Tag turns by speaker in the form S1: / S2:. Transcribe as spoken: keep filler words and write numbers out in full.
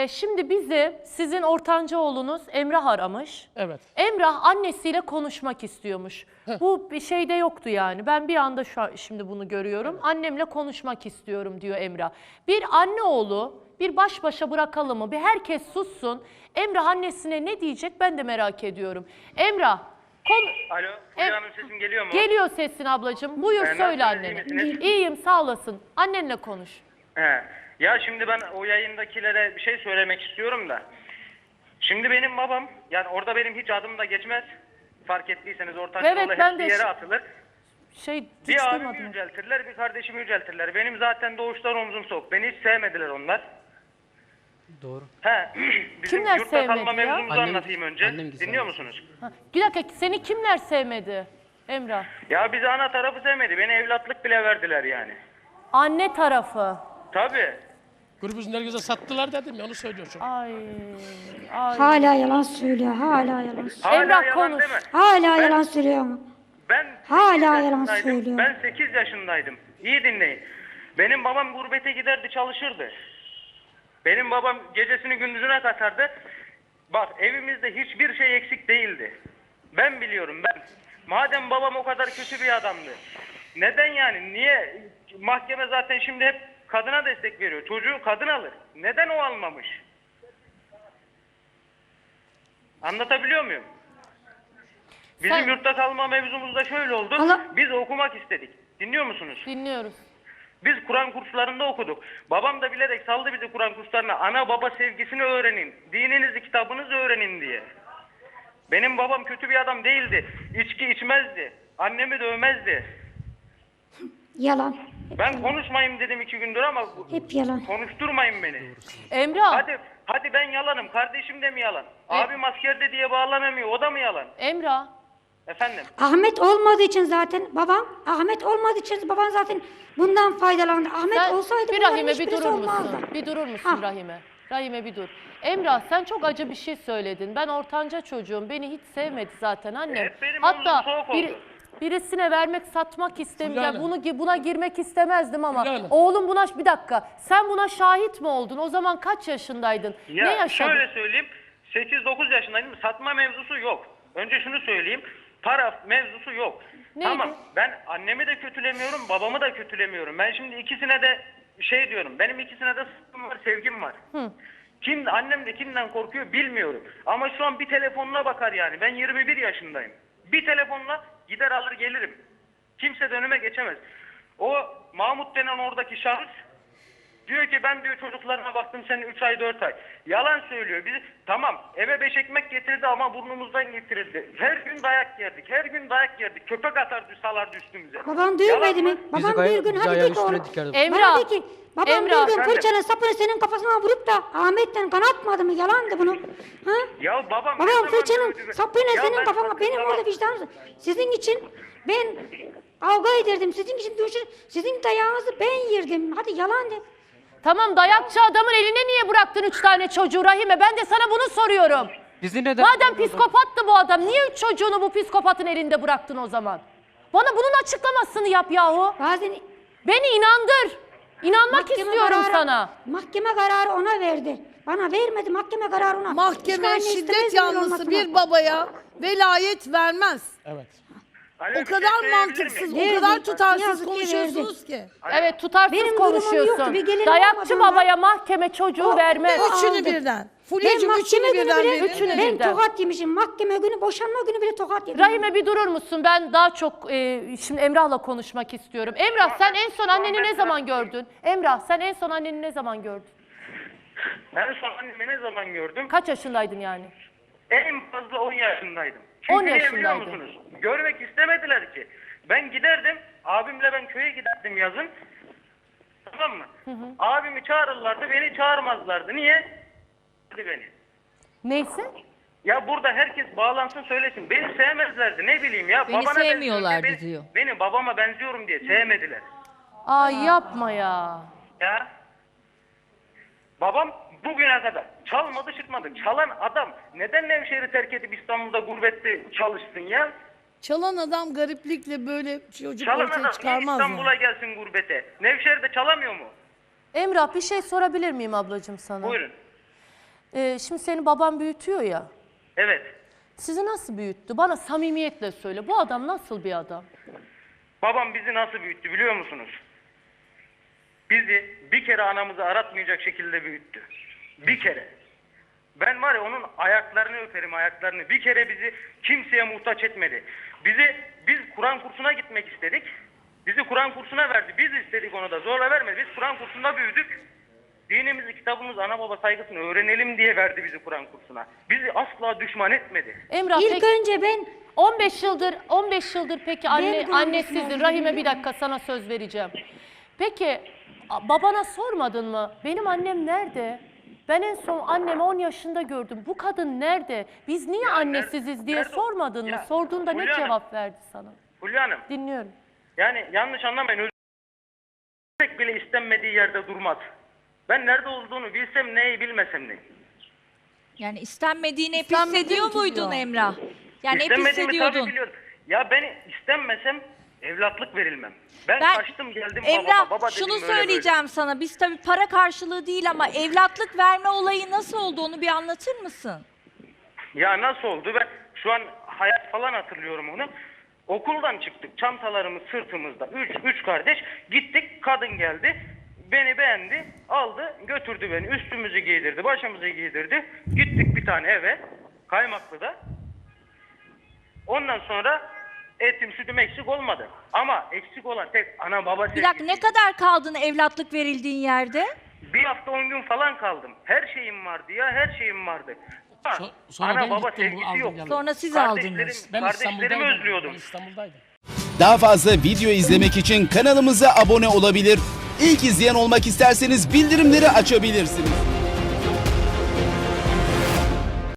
S1: Ee, şimdi bizi sizin ortanca oğlunuz Emrah aramış.
S2: Evet.
S1: Emrah annesiyle konuşmak istiyormuş.
S2: Heh.
S1: Bu bir şeyde yoktu yani. Ben bir anda şu an, şimdi bunu görüyorum. Evet. Annemle konuşmak istiyorum diyor Emrah. Bir anne oğlu bir baş başa bırakalım mı? Bir herkes sussun. Emrah annesine ne diyecek ben de merak ediyorum. Emrah. Kon
S3: Alo, Fulya Hanım sesim geliyor mu?
S1: Geliyor sesin ablacığım. Buyur
S3: Ee,
S1: söyle
S3: nasılsınız,
S1: annene.
S3: iyi misiniz?
S1: İyiyim sağ olasın. Annenle konuş.
S3: He. Ya şimdi ben o yayındakilere bir şey söylemek istiyorum da. Şimdi benim babam, yani orada benim hiç adım da geçmez. Fark ettiyseniz ortancı
S1: Evet,
S3: oğlu
S1: ben
S3: hepsi
S1: de-
S3: yere atılır.
S1: Şey hiç
S3: Bir abimi
S1: duymadım.
S3: yüceltirler, bir kardeşimi yüceltirler. Benim zaten doğuştan omzum soğuk. Beni hiç sevmediler onlar.
S2: Doğru.
S3: He. Bizim
S1: Kimler
S3: yurtta kalma
S1: sevmedi ya?
S3: mevzumuzu
S2: Annem-
S3: anlatayım önce.
S2: annem güzel.
S3: Dinliyor musunuz?
S1: Ha, bir dakika seni kimler sevmedi Emrah?
S3: Ya bizi ana tarafı sevmedi. Beni evlatlık bile verdiler yani.
S1: Anne tarafı.
S3: Tabii.
S2: Grubumuzun herkese sattılar dedim ya onu söylüyorsun.
S1: Ay, ay.
S4: Hala yalan söylüyor, hala yalan söylüyor.
S3: Hala
S1: Emrah,
S3: yalan
S1: konuş.
S3: deme.
S4: Hala
S3: Ben-
S4: yalan söylüyor ama.
S3: Ben
S4: Hala
S3: sekiz
S4: yalan
S3: yaşındaydım.
S4: söylüyor.
S3: Ben sekiz yaşındaydım. İyi dinleyin. Benim babam gurbete giderdi, çalışırdı. Benim babam gecesini gündüzüne katardı. Bak evimizde hiçbir şey eksik değildi. Ben biliyorum ben. Madem babam o kadar kötü bir adamdı. Neden yani? Niye? Mahkeme zaten şimdi hep kadına destek veriyor. Çocuğu kadın alır. Neden o almamış? Anlatabiliyor muyum? Bizim
S1: Sen-
S3: yurtta kalma mevzumuz da şöyle oldu.
S4: Allah-
S3: Biz okumak istedik. Dinliyor musunuz?
S1: Dinliyoruz.
S3: Biz Kur'an kurslarında okuduk. Babam da bilerek saldı bizi Kur'an kurslarına. Ana baba sevgisini öğrenin. Dininizi, kitabınızı öğrenin diye. Benim babam kötü bir adam değildi. İçki içmezdi. Annemi dövmezdi.
S4: Yalan.
S3: Ben konuşmayayım dedim iki gündür ama
S4: Hep yalan.
S3: konuşturmayın beni.
S1: Emrah,
S3: Hadi hadi ben yalanım. Kardeşim de mi yalan? Abim askerde diye bağlanamıyor. O da mı yalan?
S1: Emrah.
S3: Efendim?
S4: Ahmet olmadığı için zaten babam, Ahmet olmadığı için baban zaten bundan faydalandı. Ahmet
S1: Sen
S4: olsaydı
S1: bir
S4: bunların
S1: Rahime bir
S4: hiçbirisi
S1: durur
S4: olmazdı.
S1: musun? Bir durur musun
S4: Ha.
S1: Rahime? Rahime bir dur. Emrah sen çok acı bir şey söyledin. Ben ortanca çocuğum. Beni hiç sevmedi zaten annem.
S3: Hep benim
S1: Hatta
S3: omzum soğuk
S1: bir,
S3: oldu.
S1: birisine vermek, satmak istemiyorum.
S2: Fulya
S1: Bunu buna girmek istemezdim ama
S2: Fulya Hanım.
S1: oğlum buna bir dakika. Sen buna şahit mi oldun? O zaman kaç yaşındaydın?
S3: Ya
S1: ne yaşadın?
S3: şöyle söyleyeyim. sekiz dokuz yaşındaydım. Satma mevzusu yok. Önce şunu söyleyeyim. Para mevzusu yok.
S1: Neydi?
S3: Tamam. Ben annemi de kötülemiyorum, babamı da kötülemiyorum. Ben şimdi ikisine de şey diyorum. Benim ikisine de sıkım var, sevgim var.
S1: Hı.
S3: Kim annem de kimden korkuyor bilmiyorum. Ama şu an bir telefonuna bakar yani. Ben yirmi bir yaşındayım. Bir telefonla gider alır gelirim. Kimse de önüme geçemez. O Mahmut denen oradaki şahıs diyor ki ben diyor çocuklarına baktım senin üç ay dört ay. Yalan söylüyor. Biz tamam eve beş ekmek getirdi ama burnumuzdan getirildi. Her gün dayak yerdik. Her gün dayak yerdik. Köpek atardı salardı üstümüze.
S4: Baban dövmedi
S3: Yalan
S4: mi?
S3: mı?
S4: Babam
S5: Bizi
S4: bir
S5: gayet
S4: gün
S5: bizi
S4: hadi
S5: ayağın
S4: de ki
S5: üstüne
S4: oğlum.
S5: dikerdi.
S1: Emrah.
S4: Bana de ki babam
S1: Emrah.
S4: bir gün
S3: Efendim?
S4: fırçanın sapını senin kafasına vurup da Ahmet'ten kan atmadı mı? Yalandı bunu. Ha?
S3: Ya babam ne
S4: Babam
S3: zaman
S4: fırçanın
S3: dövdü be?
S4: sapıyla
S3: Ya
S4: senin
S3: ben
S4: kafana,
S3: bakın
S4: benim
S3: tamam.
S4: orada vicdanım. Sizin için ben kavga ederdim. Sizin için dövüşür. Sizin dayağınızı ben yerdim. Hadi yalan de.
S1: Tamam dayakçı adamın eline niye bıraktın üç tane çocuğu Rahime? Ben de sana bunu soruyorum.
S5: Bizi neden...
S1: Madem psikopattı bu adam, niye üç çocuğunu bu psikopatın elinde bıraktın o zaman? Bana bunun açıklamasını yap yahu.
S4: Bazen
S1: Beni inandır. İnanmak
S4: mahkeme
S1: istiyorum
S4: kararı-
S1: sana.
S4: Mahkeme kararı ona verdi. Bana vermedi mahkeme kararı ona. Hiçbir
S6: Mahkeme
S4: anne istemez
S6: şiddet
S4: mi
S6: yanlısı
S4: olmasını?
S6: bir babaya velayet vermez.
S2: Evet.
S3: Alo,
S6: O
S3: bir şey
S6: kadar
S3: söyleyebilir
S6: mantıksız,
S3: miyim?
S6: o kadar
S4: Verdi.
S6: tutarsız
S4: Yazık ki
S6: konuşuyorsunuz ki.
S1: Evet tutarsız
S4: Benim durumum
S1: konuşuyorsun.
S4: yoktu, bir gelirim
S1: Dayakçı
S4: olmadan
S1: babaya mahkeme çocuğu
S4: O-
S1: vermez.
S4: o-
S6: Üçünü
S4: aldı.
S6: birden.
S4: Ben
S6: Fulya'cığım
S4: mahkeme
S6: üçünü
S4: günü
S6: birden
S4: bile,
S6: verin.
S1: Üçünü
S4: ben
S1: birden.
S4: tokat yemişim. Mahkeme günü, boşanma günü bile tokat yedim.
S1: Rahime bir durur musun? Ben daha çok e, şimdi Emrah'la konuşmak istiyorum. Emrah sen en son anneni ne zaman gördün? Emrah sen en son anneni ne zaman gördün?
S3: Ben son annemi ne zaman gördüm?
S1: Kaç yaşındaydın yani?
S3: En fazla on yaşındaydım.
S1: on
S3: Çünkü niye biliyor
S1: yaşındaydın.
S3: musunuz? Görmek istemediler ki. Ben giderdim, abimle ben köye giderdim yazın. Tamam mı? Abimi çağırırlardı, beni çağırmazlardı. Niye? Hadi beni.
S1: Neyse.
S3: Ya burada herkes bağlansın söylesin. Beni sevmezlerdi ne bileyim ya.
S7: Beni
S3: Babana
S7: sevmiyorlardı
S3: benziyorum diye
S7: diyor.
S3: Beni, beni babama benziyorum diye sevmediler.
S1: Ay yapma ya.
S3: Ya. Babam bugüne kadar çalmadı çıkmadı. Çalan adam neden Nevşehir'i terk edip İstanbul'da gurbette çalışsın ya?
S6: Çalan adam gariplikle böyle çocuk
S3: Çalan
S6: ortaya
S3: adam niye
S6: çıkarmaz
S3: İstanbul'a
S6: mı?
S3: gelsin gurbete? Nevşehir'de çalamıyor mu?
S1: Emrah bir şey sorabilir miyim ablacığım sana?
S3: Buyurun.
S1: Ee, şimdi seni baban büyütüyor ya.
S3: Evet.
S1: Sizi nasıl büyüttü? Bana samimiyetle söyle. Bu adam nasıl bir adam?
S3: Babam bizi nasıl büyüttü biliyor musunuz? Bizi bir kere anamızı aratmayacak şekilde büyüttü. Bir kere. Ben var ya onun ayaklarını öperim, ayaklarını. Bir kere bizi kimseye muhtaç etmedi. Bizi, biz Kur'an kursuna gitmek istedik. Bizi Kur'an kursuna verdi. Biz istedik, onu da zorla vermedi. Biz Kur'an kursunda büyüdük. Dinimizi, kitabımız, ana baba saygısını öğrenelim diye verdi bizi Kur'an kursuna. Bizi asla düşman etmedi.
S1: Emrah
S4: İlk
S1: peki
S4: önce ben
S1: on beş yıldır on beş yıldır peki anne
S4: de
S1: annesizdin.
S4: unutmam.
S1: Rahime bir dakika sana söz vereceğim. Peki a- babana sormadın mı? Benim annem nerede? Ben en son annemi on yaşında gördüm. Bu kadın nerede? Biz niye
S3: Ya
S1: annesiziz
S3: nerede-
S1: diye
S3: nerede o-
S1: sormadın mı?
S3: Ya,
S1: Sorduğunda ne
S3: Fulya Hanım.
S1: cevap verdi sana?
S3: Fulya Hanım,
S1: Dinliyorum.
S3: yani yanlış anlamayın. Özür bile istenmediği yerde durmaz. Ben nerede olduğunu bilsem neyi, bilmesem neyi.
S5: Yani istenmediğini hep
S6: İstenmediğini
S5: hissediyor
S6: tutuyor.
S5: muydun Emrah? Yani hep
S3: İstenmediğimi tabii
S5: hissediyordun.
S3: biliyorum. Ya ben istenmesem evlatlık verilmem. Ben,
S5: Ben
S3: kaçtım geldim
S5: Emrah
S3: babama. Baba dedim,
S5: şunu
S3: böyle böyle.
S5: söyleyeceğim sana. Biz tabii para karşılığı değil ama evlatlık verme olayı nasıl oldu onu bir anlatır mısın?
S3: Ya nasıl oldu? Ben şu an hayat falan hatırlıyorum onu. Okuldan çıktık. Çantalarımız sırtımızda. Üç, üç kardeş. Gittik. Kadın geldi. Beni beğendi. Aldı. Götürdü beni. Üstümüzü giydirdi. Başımızı giydirdi. Gittik bir tane eve. Kaymaklı'da. Ondan sonra etim sütüm eksik olmadı. Ama eksik olan tek ana baba
S5: Bir dakika ne kadar kaldın evlatlık verildiğin yerde?
S3: Bir hafta on gün falan kaldım. Her şeyim vardı ya. Her şeyim vardı. Ama
S2: So- sonra ben
S3: ana baba
S2: gittim, bu
S3: sevgisi
S2: aldım
S3: yok.
S2: geldim.
S5: Sonra siz
S3: Kardeşlerim-
S5: aldınız.
S2: Ben
S3: Kardeşlerimi
S2: İstanbul'daydım.
S3: özlüyordum.
S2: Ben İstanbul'daydım.
S7: Daha fazla video izlemek için kanalımıza abone olabilir. İlk izleyen olmak isterseniz bildirimleri açabilirsiniz.